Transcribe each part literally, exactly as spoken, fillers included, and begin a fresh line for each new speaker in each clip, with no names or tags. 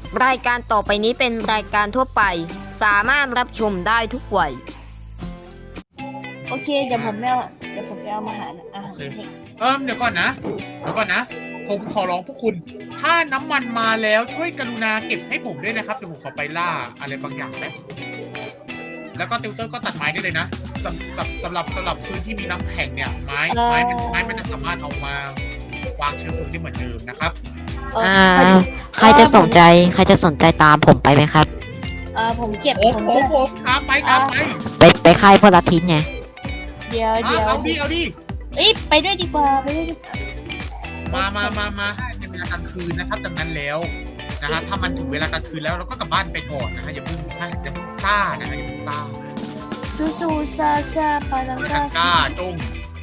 รายการต่อไปนี้เป็นรายการทั่วไปสามารถรับชมได้ทุกวัย
โอเคเดี๋ยวผมไปเอาเดี๋ยวผมไปเอามาหาอาหาร
โอเค เอิมเดี๋ยวก่อนนะเดี๋ยวก่อนนะผมขอร้องพวกคุณ ถ้าน้ำมันมาแล้วช่วยกรุณาเก็บให้ผมด้วยนะครับเดี๋ยวผมขอไปล่าอะไรบางอย่างแป๊บแล้วก็ติวเตอร์ก็ตัดไม้ได้เลยนะสำสำสำหรับสำหรับพื้นที่มีน้ำแข็งเนี่ยไม้ไม้มันไม้มันจะสามารถเอามาวางเชื้อเพลิงได้เหมือนเดิมนะครับ
เออ
อ่า
พอดี
ใครจะสนใจ ใครจะสนใจตามผมไปไหมครับ
เออผมเก็บ
ผม
ผม
ผม
จะ
ผมตามไปตามไป
ไปไปค่ายพวกลัทธิไง
เดี๋ยว
อ่ะ
เดี๋ยว
เอาดิเอาดิ
เอ้ยไปด้วยดีกว่าไปด้วยดีกว่า
มามามามาเป็นเวลากลางคืนนะครับดังนั้นแล้วนะฮะถ้ามันถึงเวลากลางคืนแล้วเราก็กลับบ้านไปก่อนนะฮะอย่าเพิ่งอย่าเพิ่งซ่านะฮะอย่าเพิ่งซ่า
ซูซูซาซาปาลัง
ไม่
กา
ทังก้าจง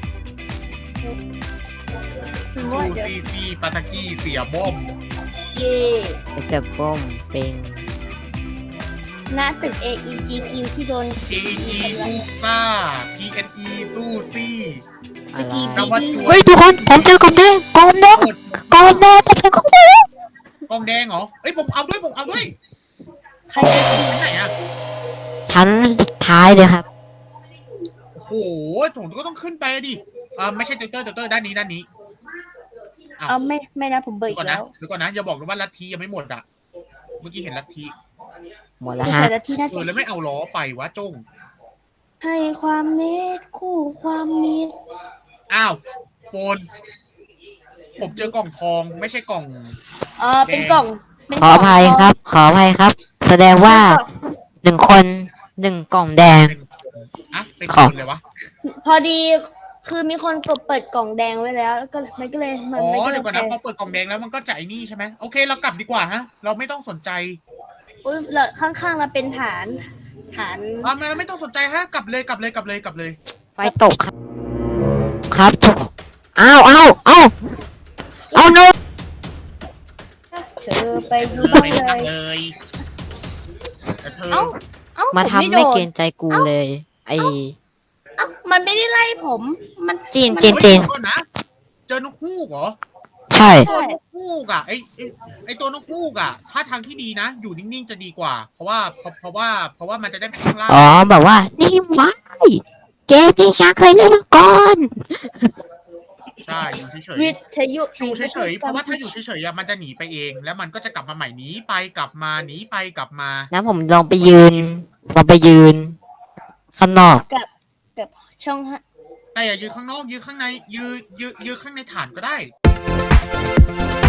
คือ
ซู
ว่าเดี๋ยว
ซีซีปาตากี้เสียบ้ม
เย่
เอเซฟมเป็น
หน้าตึก เอ อี จี คิว ที่โดน
จีอีซูซ่าพีเอ็นอีซูซี่
สกี
น
บี
วัต
บี้
จว
เฮ้ยทุกคน ผมเจอกล่องแดงกล่องแดงกล่องแดงผมเจอกล่องแดง
กองแดงเหรอเอ้ยผมเอาด้วยผมเอาด้วย
ใครจะชี้
ชั้นไหนอะ
ชั้นสุดท้ายเลยครับ
โอ้โหผมก็ต้องขึ้นไปดิอ่าไม่ใช่เตอร์เตอร์เตอร์ด้านนี้ด้านนี้
เอาไม่ไม่นะผมเบิก
เดี๋ยว
อี
ก่อน
ก
นะ
แล้ว
เดี๋ยวก่อนนะอย่าบอกนะว่าลัทธิยังไม่หมดอ่ะเมื่อกี้เห็นลัทธิ
หมดแล้ว
ไม่
ฮะ
ใช่ละที่น่า
เอ
จะ
อแล้วไม่เอาล้อไปวะจง
ให้ความเมตคู่ความมิตร
อ้าวโฟนผมเจอกล่องทองไม่ใช่กล่อง
เออเป็นกล่องเป็น
ขออภัยครับ ขออภัยครับ แสดงว่าหนึ่งคนหนึ่งกล่องแดง
เป็นอะเป็น
ขอ
คนเลยวะ
พอดีคือมีคนกดเปิดกล่องแดงไว้แล้วแล้วก็มันก็เลยมัน
อ๋อ
ไม่ก็เล
เดี๋
ย
ยวก่อนนะพอเปิดกล่องแดงแล้วมันก็จะไอ้นี่ใช่ไหมโอเคเรากลับดีกว่าฮะ เราไม่ต้องสนใจ
อุ้ยแล้วข้างๆเราเป็นฐานฐาน
อ่าเราไม่ต้องสนใจฮะกลับเลยกลับเลยกลับเลยกลับเลย
ไฟตกครับ ครับทุกอ้าวอ้าวอ้าวเอาโน
เธอไปดูบ้าง
ไม่
เล
ทำ
ย
เลยแต่เธอ
เอ้าเอ้า
มา
ผ
ทำ
โด
ไม่
น
เกรงใจกูเลย ไอ
เอ้ามันไม่ได้ไล่ผม มัน
จีน
มั
จีน
เฮ้ยเดี๋ยวก่อนนะเจอนกฮูกเหรอ
ใช่
ตัวนกฮูกอ่ะไอไอ้ไอตัวนกฮูกอ่ะ ถ้าทางที่ดีนะ อยู่นิ่งๆจะดีกว่า เพราะว่าเพราะเพราะว่าเพราะว่ามันจะได้ไม่ต้องล่า
อ๋อแบบว่า นี่วายเกมที่ฉันเคยเล่นมาก่อน
ใช่อยู่เฉย
วิทยุ
ๆอยู่เฉยๆเพราะว่าถ้าอยู่เฉยๆอะมันจะหนีไปเอง แล้วมันก็จะกลับมาใหม่หนีไปกลับมาหนีไปกลับมา
นะผมลองไปยืน ลองไปยืน ข้างนอก
กับกับช่องฮะ
แต่อย่ายืนข้างนอกยืนข้างในยืนยืนยืนข้างในฐานก็ได้